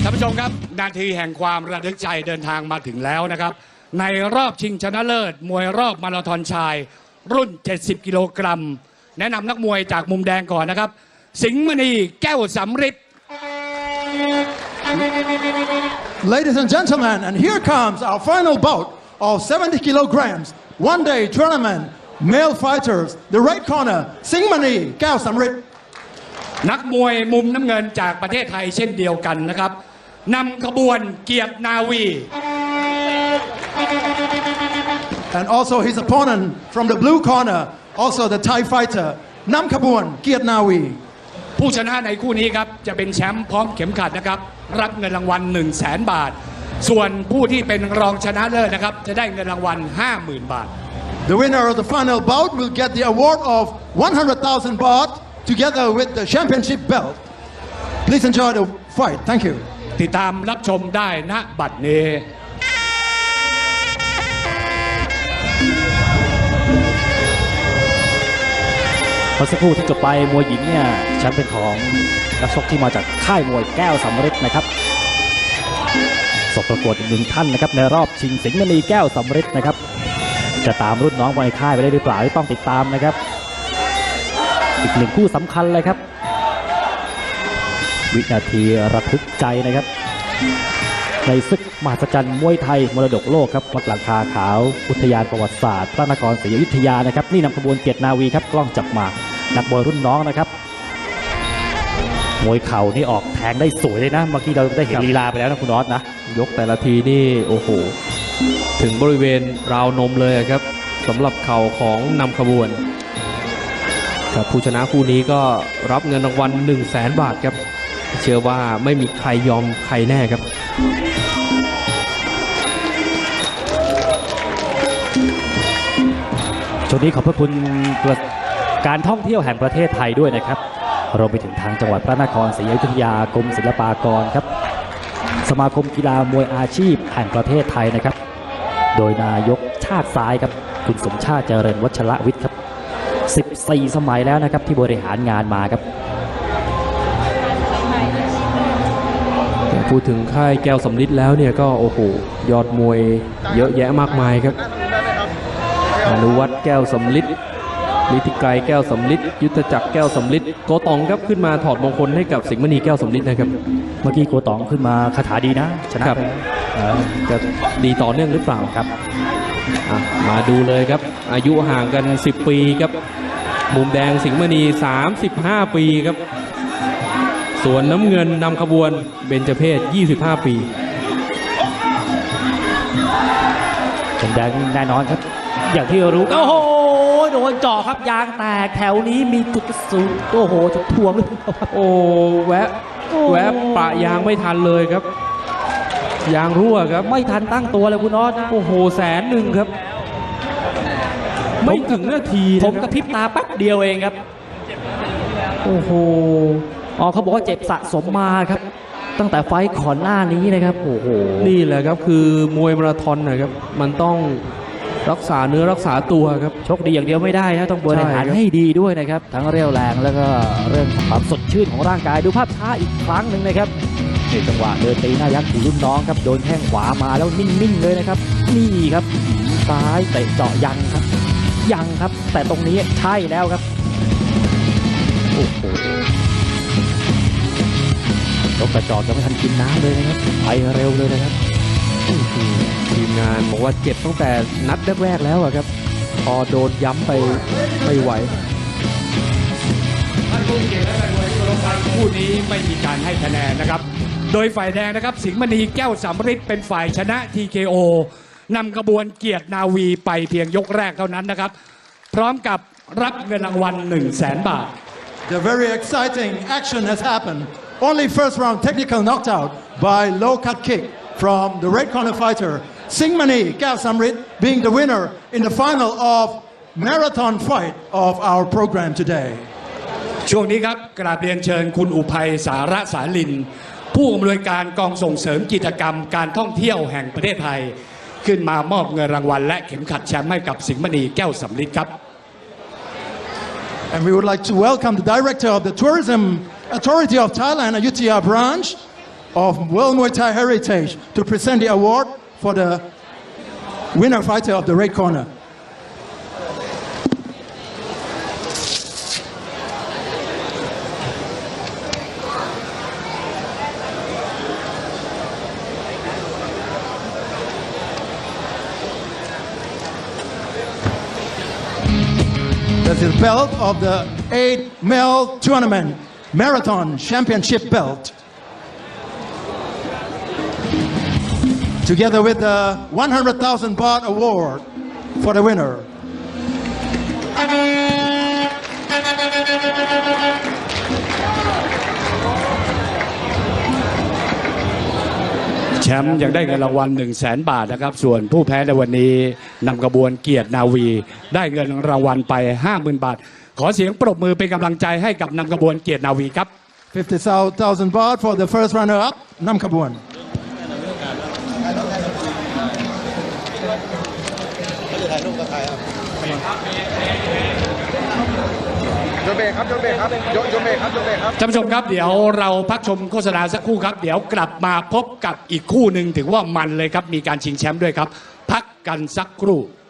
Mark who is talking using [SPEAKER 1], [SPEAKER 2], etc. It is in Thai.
[SPEAKER 1] ท่านผู้ชมครับนาทีแห่งความระทึกใจเดินทางมาถึงแล้วนะครับในรอบชิงชนะเลิศมวยรอบมาราธอนชายรุ่น70กิโลกรัมแนะนำนักมวยจากมุมแดงก่อนนะครับสิงห์มณีแก้วสำริด
[SPEAKER 2] Ladies and gentlemen, and here comes our final bout of 70 kilograms one-day tournament male fighters. The right corner, Singmani Kao Samrit.
[SPEAKER 1] นักมวยมุมน้ำเงินจากประเทศไทยเช่นเดียวกันนะครับนำขบวนเกียรตินาวี
[SPEAKER 2] And also his opponent from the blue corner, also the Thai fighter, Nam Khabuan Kiat Nawi.
[SPEAKER 1] ผู้ชนะในคู่นี้ครับจะเป็นแชมป์พร้อมเข็มขัดนะครับรับเงินรางวัล 100,000 บาทส่วนผู้ที่เป็นรองชนะเลิศนะครับจะได้เงินรางวัล 50,000 บาท
[SPEAKER 2] The winner of the final bout will get the award of 100,000 baht together with the championship belt. Please enjoy the fight. Thank you.
[SPEAKER 1] ติดตามรับชมได้ณบัดนี้
[SPEAKER 3] เมื่อสักครู่ที่จบไปมวยหญิงเนี่ยแชมป์เป็นของนักชกที่มาจากค่ายมวยแก้วสำริดนะครับสบประกวดอีกหนึ่งท่านนะครับในรอบชิงสิงห์มณีแก้วสำริดนะครับจะตามรุ่นน้องในค่ายไปได้หรือเปล่าต้องติดตามนะครับอีกหนึ่งคู่สำคัญเลยครับวินาทีระทึกใจนะครับในศึกมหัศจรรย์มวยไทยมรดกโลกครับวัดหลังคาขาวอุทยานประวัติศาสตร์พระนครศรีอยุธยานะครับนี่นำขบวนเกียรตินาวีครับกล้องจับมานักมวยรุ่นน้องนะครับมวยเข่านี่ออกแทงได้สวยเลยนะเมื่อกี้เราได้เห็นลีลาไปแล้วนะคุณน็อตนะ
[SPEAKER 4] ยกแต่ละทีนี่โอ้โหถึงบริเวณราวนมเลยครับสำหรับเข่าของนำขบวนกับผู้ชนะคู่นี้ก็รับเงินรางวัล 100,000 บาทครับเชื่อว่าไม่มีใครยอมใครแน่ครับ
[SPEAKER 3] ช่วงนี้ขอบพระคุณการท่องเที่ยวแห่งประเทศไทยด้วยนะครับรวมไปถึงทางจังหวัดพระนครศรีอยุธยากรมศิลปากรครับสมาคมกีฬามวยอาชีพแห่งประเทศไทยนะครับโดยนายกชาติซ้ายครับคุณสมชาติเจริญวัชระวิทย์ครับ14 สมัยแล้วนะครับที่บริหารงานมาครับ
[SPEAKER 4] พูดถึงค่ายแก้วสำลิดแล้วเนี่ยก็โอ้โหยอดมวยเยอะแยะมากมายครับอนุวัฒน์แก้วสำลิดฤทธิไกรแก้วสำลิดยุทธจักรแก้วสำลิดโกตองครับขึ้นมาถอดมงคลให้กับสิงห์มณีแก้วสำลิดนะครับ
[SPEAKER 3] เมื่อกี้โกตองขึ้นมาคาถาดีนะชนะครับ
[SPEAKER 4] จะดีต่อเนื่องหรือเปล่าครับมาดูเลยครับอายุห่างกัน10 ปีครับมุมแดงสิงห์มณี35 ปีครับส่วนน้ำเงินนำขบวนเบญจเพศ25 ปี
[SPEAKER 3] มุมแดงแน่นอนครับอย่างที่รู้โอ้โหโดนเจาะครับยางแตกแถวนี้มีจุดสูงโอ้โหจุดทวงเลย
[SPEAKER 4] โอ้แวะปะยางไม่ทันเลยครับยางรั่วครับ
[SPEAKER 3] ไม่ทันตั้งตัวเลยคุณน็อตนะ
[SPEAKER 4] โอ้โห100,000ครับไม่ถึงนาที
[SPEAKER 3] ผมกระพริบตาแป๊บเดียวเองครับ
[SPEAKER 4] โอ้โห
[SPEAKER 3] เขาบอกว่าเจ็บสะสมมาครับตั้งแต่ไฟก่อนหน้านี้นะครับโอ้โห
[SPEAKER 4] นี่แหละครับคือมวยมาราธอนนะครับมันต้องรักษาเนื้อรักษาตัวครับ
[SPEAKER 3] ชกดีอย่างเดียวไม่ได้นะต้องบริหารให้ดีด้วยนะครับทั้งเรี่ยวแรงแล้วก็เรื่องความสดชื่นของร่างกายดูภาพช้าอีกครั้งหนึ่งนะครับนี่จังหวะเดินตีหน้ายักษ์ของรุ่นน้องครับโดนแข้งขวามาแล้วนิ่งๆเลยนะครับนี่ครับซ้ายเตะเจาะยังครับแต่ตรงนี้ใช่แล้วครับโอ้โหยกกระจอกยังไม่ทันกินน้ำเลยนะครับไปเร็วเลยนะครับ
[SPEAKER 4] ทีมงานบอกว่าเจ็บตั้งแต่นัดแรกๆแล้วครับพอโดนย้ำไปไม่ไหว
[SPEAKER 1] คู่นี้ไม่มีการให้คะแนนนะครับโดยฝ่ายแดงนะครับสิงห์มณีแก้วสำริดเป็นฝ่ายชนะ TKO นำกระบวนเกียรตินาวีไปเพียงยกแรกเท่านั้นนะครับพร้อมกับรับเงินรางวัล 100,000 บาท
[SPEAKER 2] The very exciting action has happened. Only first round technical knockout by low cut kick from the red corner fighter Singmani Kao Samrit being the winner in the final of marathon fight of our program today.
[SPEAKER 1] ช่วงนี้ครับกราบเรียนเชิญคุณอุภัยสาระสาลินผู้อำนวยการกองส่งเสริมกิจกรรมการท่องเที่ยวแห่งประเทศไทยขึ้นมามอบเงินรางวัลและเข็มขัดแชมป์ให้กับสิงห์มณีแก้วสำริดครับ
[SPEAKER 2] And we would like to welcome the director of the Tourism Authority of Thailand, Ayutthaya branch, of World Muay Thai Heritage to present the award for the winner fighter of the red corner. That's the belt of the 8-mile tournament marathon championship belt. Together with the 100,000 baht award for the winner.
[SPEAKER 1] แชมป์ยังได้เงินรางวัล 100,000 บาทนะครับส่วนผู้แพ้ในวันนี้นำกระบวนเกียรตินาวีได้เงินรางวัลไป 50,000 บาทขอเสียงปรบมือเป็นกำลังใจให้กับนำกระบวนเกียรตินาวีครับ
[SPEAKER 2] 50,000 baht for the first runner-up, Nam Kabuan.
[SPEAKER 5] โยนเบรกครับโยนเบรกครับโยนเบรกครับโยนเบรกครับ
[SPEAKER 1] ท่านผู้ชมครับเดี๋ยวเราพักชมโฆษณาสักครู่ครับ เดี๋ยวกลับมาพบกับอีกคู่หนึ่งถือว่ามันเลยครับมีการชิงแชมป์ด้วยครับ พักกันสักครู่